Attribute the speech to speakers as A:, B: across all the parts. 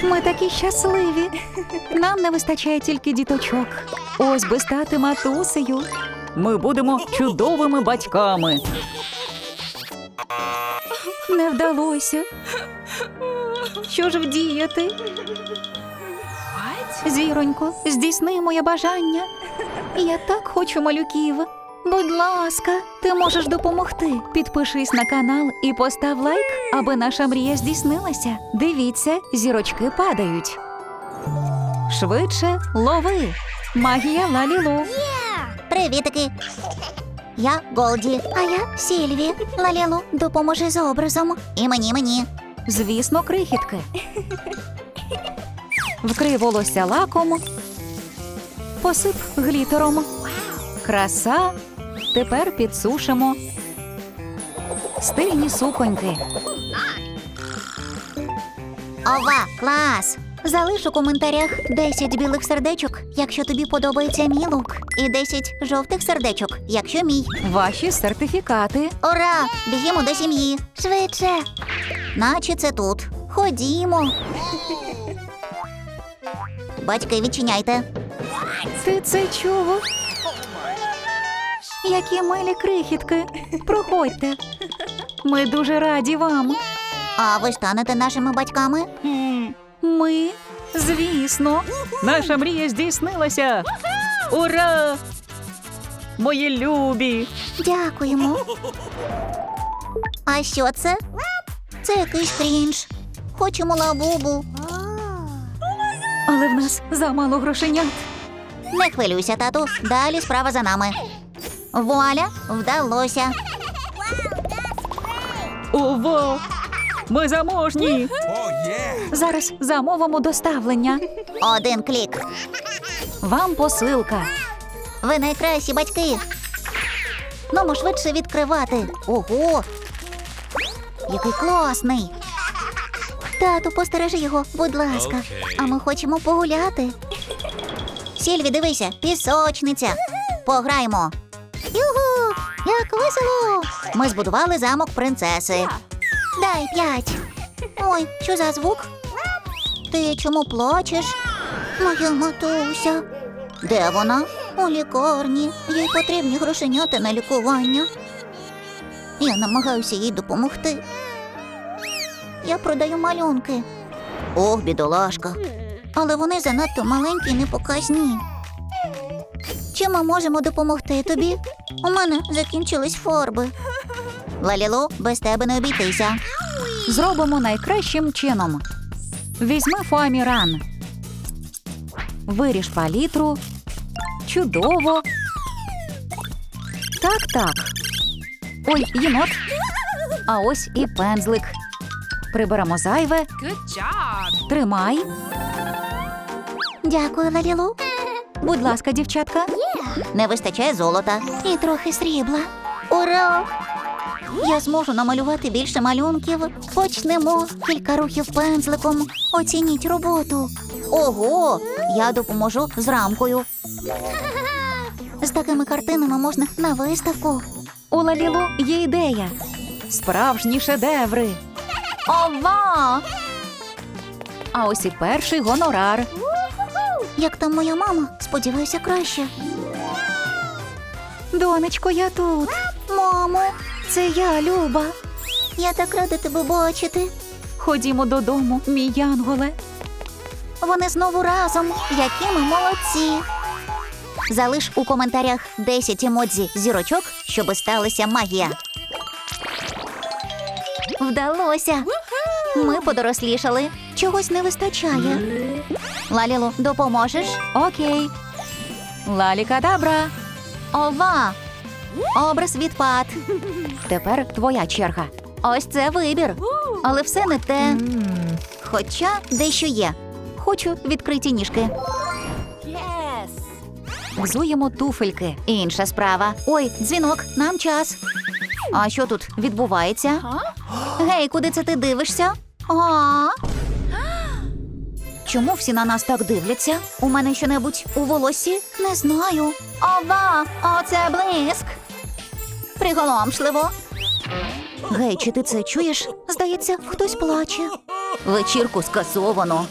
A: Ми такі щасливі. Нам не вистачає тільки діточок. Ось би стати матусею. Ми будемо чудовими батьками. Не вдалося. Що ж вдіяти? Зіронько, здійсни моє бажання. Я так хочу малюків. Будь ласка, ти можеш допомогти. Підпишись на канал і постав лайк, аби наша мрія здійснилася. Дивіться, зірочки падають. Швидше лови. Магія Лалілу.
B: Привітики! Я Голді, а я Сільві. Лалілу, допоможи з образом. І мені.
A: Звісно, крихітки. Вкрий волосся лаком. Посип глітером. Краса. Тепер підсушимо. Стильні суконьки.
B: Ова, клас! Залиш у коментарях 10 білих сердечок, якщо тобі подобається мій лук. І 10 жовтих сердечок, якщо мій.
A: Ваші сертифікати.
B: Ура! Бігімо до сім'ї. Швидше. Наче це тут. Ходімо. Батьки, відчиняйте.
A: Ти це чув? Які милі крихітки. Проходьте. Ми дуже раді вам.
B: А ви станете нашими батьками?
A: Ми? Звісно. Наша мрія здійснилася. Ура! Мої любі.
B: Дякуємо. А що це? Це якийсь крінж. Хочемо лабубу.
A: Але в нас замало грошенят.
B: Не хвилюйся, тату. Далі справа за нами. Вуаля, вдалося.
A: Ого! Ми заможні. Зараз замовимо доставлення.
B: Один клік.
A: Вам посилка.
B: Ви найкращі батьки. Ну, швидше відкривати. Ого! Який класний. Тату, постережи його, будь ласка. А ми хочемо погуляти. Сільві, дивися, пісочниця. Пограємо. Югу! Як весело! Ми збудували замок принцеси. Дай 5. Ой, що за звук? Ти чому плачеш? Моя матуся. Де вона? У лікарні. Їй потрібні грошенята на лікування. Я намагаюся їй допомогти. Я продаю малюнки. Ох, бідолашка. Але вони занадто маленькі і непоказні. Чим ми можемо допомогти тобі? У мене закінчились фарби. Лалілу, без тебе не обійтися.
A: Зробимо найкращим чином. Візьми фоаміран. Виріж палітру. Чудово. Так. Ой, єнот. А ось і пензлик. Приберемо зайве. Тримай.
B: Дякую, Лалілу.
A: Будь ласка, дівчатка.
B: Не вистачає золота. І трохи срібла. Ура! Я зможу намалювати більше малюнків. Почнемо. Кілька рухів пензликом. Оцініть роботу. Ого! Я допоможу з рамкою. З такими картинами можна на виставку.
A: У Лалілу є ідея. Справжні шедеври.
B: Ова!
A: А ось і перший гонорар.
B: Як там моя мама? Сподіваюся, краще.
A: Донечко, я тут.
B: Мамо,
A: Це я, Люба.
B: я так рада тебе бачити.
A: Ходімо додому, мій янголе.
B: Вони знову разом. Які ми молодці. Залиш у коментарях 10 емодзі зірочок, щоби сталася магія. Вдалося. Ми подорослішали. Чогось не вистачає. Лалілу, допоможеш?
A: Окей. Лалікадабра.
B: Ова!
A: Образ відпад. Тепер твоя черга.
B: Ось це вибір. Але все не те. Хоча дещо є.
A: Хочу відкриті ніжки. Взуємо туфельки.
B: Інша справа.
A: Ой, дзвінок, нам час.
B: А що тут відбувається? Гей, куди це ти дивишся? А?
A: Чому всі на нас так дивляться?
B: У мене що-небудь у волоссі? Не знаю. Ова! Оце блиск! Приголомшливо. Гей, чи ти це чуєш? Здається, хтось плаче. Вечірку скасовано.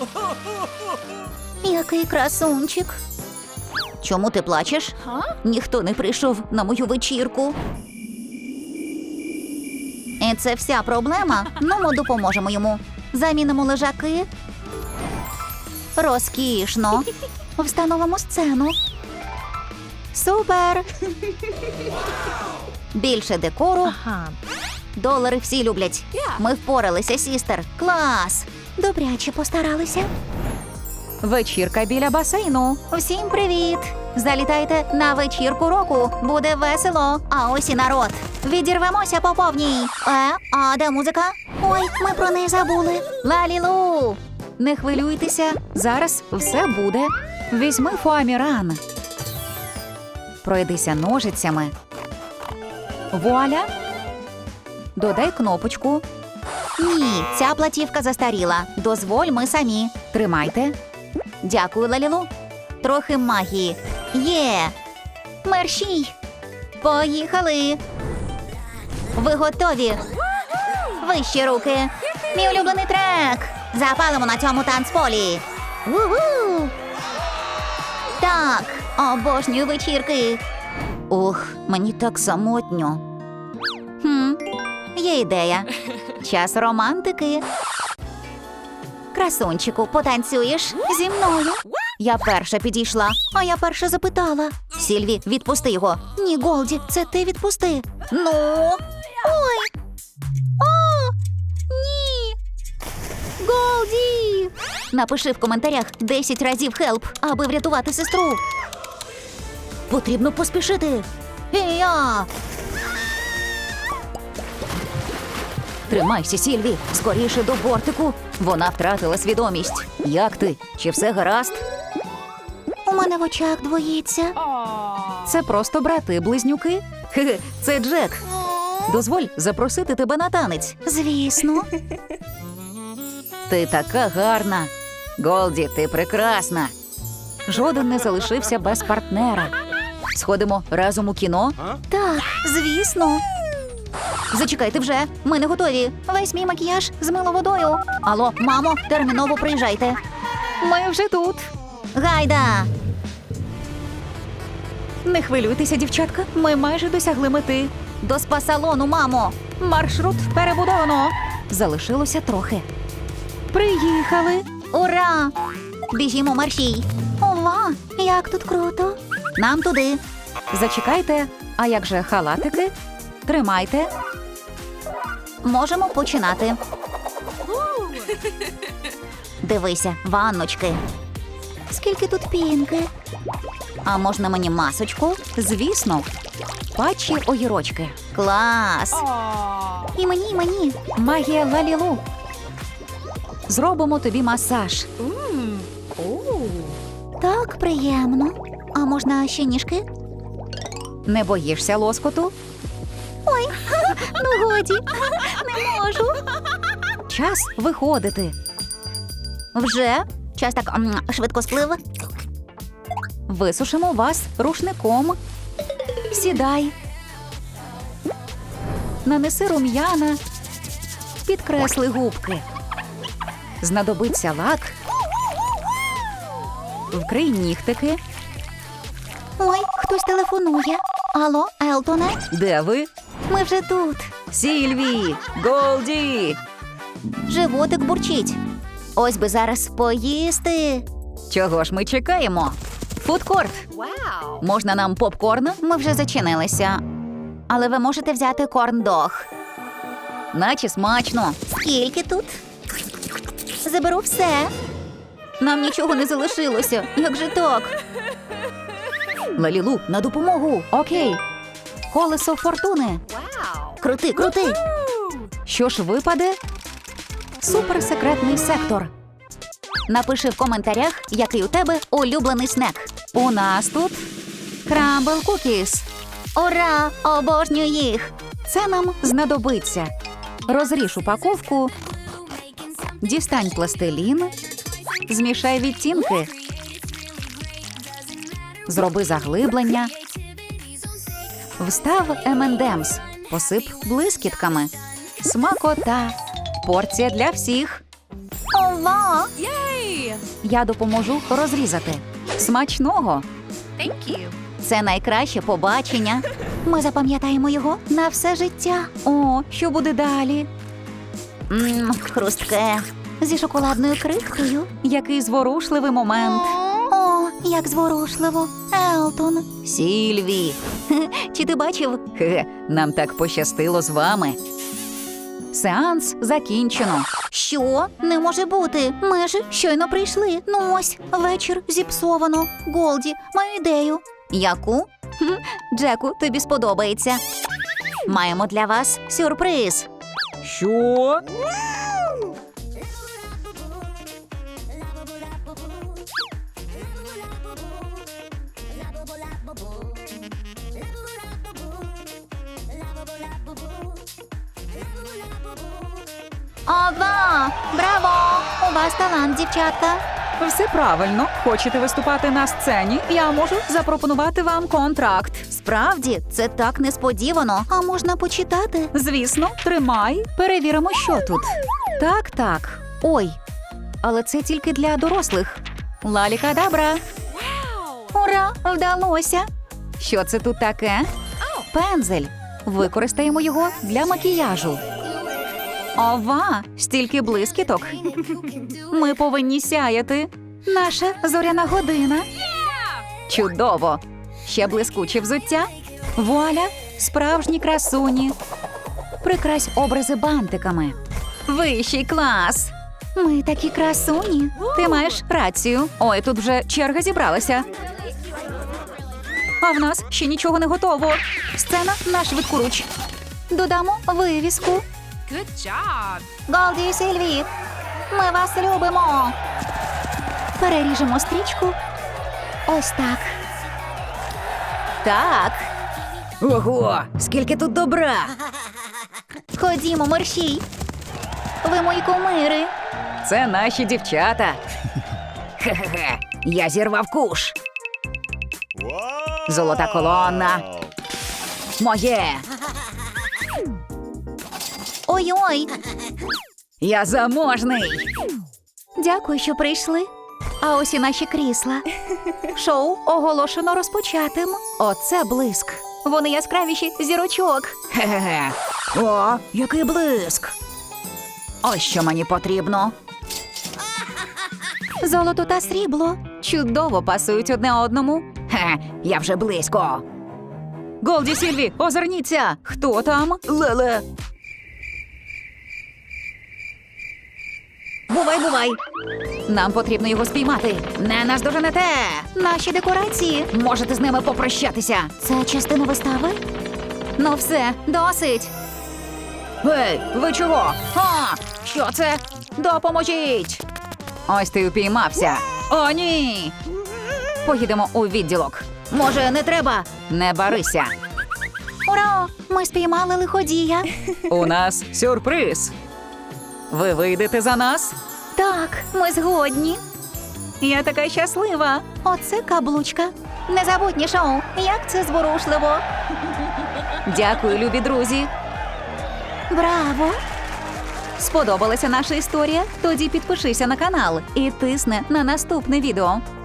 B: Який красунчик. Чому ти плачеш? Ніхто не прийшов на мою вечірку. І це вся проблема? Ну, ми допоможемо йому. Замінимо лежаки. Розкішно. Встановимо сцену. Супер! Більше декору. Долари всі люблять. Ми впоралися, сістер. Клас! Добряче постаралися.
A: Вечірка біля басейну.
B: Всім привіт! Залітайте на вечірку року. Буде весело. А ось і народ. Відірвемося по повній. А де музика? Ой, ми про неї забули. Лалілу!
A: Не хвилюйтеся, зараз все буде. Візьми фоаміран. Пройдися ножицями. Вуаля. Додай кнопочку.
B: Ні, ця платівка застаріла. Дозволь, ми самі.
A: Тримайте.
B: Дякую, Лалілу. Трохи магії. Є! Мерщій! Поїхали! Ви готові? Вищі руки! Мій улюблений трек! Запалимо на цьому танцполі! Ву-ху! Так, обожнюю вечірки! Ух, мені так самотньо. Є ідея. Час романтики. Красунчику, потанцюєш зі мною? Я перша підійшла, а я перша запитала. Сільві, відпусти його. Ні, Голді, це ти відпусти. Ну? Ой! О! Ні! Голді! Напиши в коментарях 10 разів «хелп», аби врятувати сестру. Потрібно поспішити. І я!
A: Тримайся, Сільві, скоріше до бортику. Вона втратила свідомість. Як ти? Чи все гаразд?
B: У мене в очах двоїться.
A: Це просто брати-близнюки. Хе-хе, це Джек. Дозволь запросити тебе на танець.
B: Звісно.
A: Ти така гарна. Голді, ти прекрасна. Жоден не залишився без партнера. Сходимо разом у кіно?
B: Так, звісно. Зачекайте вже, ми не готові. Весь мій макіяж змило водою. Алло, мамо, терміново приїжджайте.
A: Ми вже тут.
B: Гайда!
A: Не хвилюйтеся, дівчатка. Ми майже досягли мети.
B: До спа-салону, мамо!
A: Маршрут перебудовано. Залишилося трохи. Приїхали.
B: Ура! Біжімо, маршій. Ова, як тут круто. Нам туди.
A: Зачекайте. А як же халатики? Тримайте.
B: Можемо починати. Дивися, ванночки. Скільки тут пінки. А можна мені масочку?
A: Звісно. Патчі огірочки.
B: Клас! І мені, і мені.
A: Магія Лалілу. Зробимо тобі масаж.
B: Так приємно. А можна ще ніжки?
A: Не боїшся лоскоту?
B: Ой, ну годі, не можу.
A: Час виходити.
B: Вже? Час так швидко сплив.
A: Висушимо вас рушником. Сідай. Нанеси рум'яна. Підкресли губки. Знадобиться лак. Вкрий нігтики.
B: Ой, хтось телефонує. Алло, Елтоне?
A: Де ви?
B: Ми вже тут.
A: Сільві! Голді!
B: Животик бурчить. Ось би зараз поїсти.
A: Чого ж ми чекаємо? Фудкорт. Можна нам попкорн?
B: Ми вже зачинилися. Але ви можете взяти корн-дог.
A: Наче смачно.
B: Скільки тут? Заберу все. Нам нічого не залишилося. Як же так?
A: Лалілу, на допомогу. Окей. Колесо фортуни.
B: Крути, крути.
A: Що ж випаде? Суперсекретний сектор.
B: Напиши в коментарях, який у тебе улюблений снек.
A: У нас тут крамбл кукіс.
B: Ура! Обожнюю їх!
A: Це нам знадобиться. Розріж упаковку. Дістань пластилін. Змішай відтінки. Зроби заглиблення. Встав M&M's. Посип блискітками. Смакота. Порція для всіх.
B: Ова!
A: Я допоможу розрізати. Смачного.
B: Це найкраще побачення. Ми запам'ятаємо його на все життя.
A: О, що буде далі?
B: Хрустке. Зі шоколадною крихкою.
A: Який зворушливий момент.
B: О, як зворушливо. Елтон.
A: Сільві.
B: Чи ти бачив?
A: Хе-хе, нам так пощастило з вами. Сеанс закінчено.
B: Що? Не може бути. Ми ж щойно прийшли. Ну ось, вечір зіпсовано. Голді, маю ідею. Яку? Джеку, тобі сподобається. Маємо для вас сюрприз.
A: Що?
B: Ова! Браво! У вас талант, дівчатка.
A: Все правильно. Хочете виступати на сцені? Я можу запропонувати вам контракт.
B: Справді, це так несподівано. А можна почитати?
A: Звісно, тримай. Перевіримо, що тут. Так. Ой. Але це тільки для дорослих. Лалікадабра.
B: Ура! Вдалося!
A: Що це тут таке? Пензель. Використаємо його для макіяжу. Ова, стільки блискіток. Ми повинні сяяти. Наша зоряна година. Чудово. Ще блискуче взуття. Вуаля, справжні красуні. Прикрась образи бантиками. Вищий клас.
B: Ми такі красуні.
A: Ти маєш рацію. Ой, тут вже черга зібралася. А в нас ще нічого не готово. Сцена на швидкоруч.
B: Додамо вивіску.
C: Good job.
B: Голді і Сильві, ми вас любимо. Переріжемо стрічку. Ось так.
A: Так. Ого, скільки тут добра.
B: Ходімо, мерщій. Ви мої кумири.
A: Це наші дівчата. Хе-хе-хе, я зірвав куш. Золота колона. Моє.
B: Ой-ой.
A: Я заможний.
B: Дякую, що прийшли. А ось і наші крісла.
A: Шоу оголошено розпочатим. Оце блиск.
B: Вони яскравіші зірочок.
A: Хе-хе-хе. О, який блиск. Ось що мені потрібно.
B: Золото та срібло.
A: Чудово пасують одне одному. Хе, я вже близько. Голді, Сільві, озирніться. Хто там? Леле.
B: Бувай.
A: Нам потрібно його спіймати. Не наздоженете.
B: Наші декорації.
A: Можете з ними попрощатися.
B: Це частина вистави?
A: Ну все, досить. Гей, ви чого? А, що це? Допоможіть. Ось ти упіймався. О, ні. Поїдемо у відділок.
B: Може, не треба?
A: Не барися.
B: Ура! Ми спіймали лиходія.
A: У нас сюрприз. Ви вийдете за нас?
B: Так, ми згодні.
A: Я така щаслива.
B: Оце каблучка. Незабутнє шоу. Як це зворушливо.
A: Дякую, любі друзі.
B: Браво!
A: Сподобалася наша історія? Тоді підпишися на канал і тисни на наступне відео.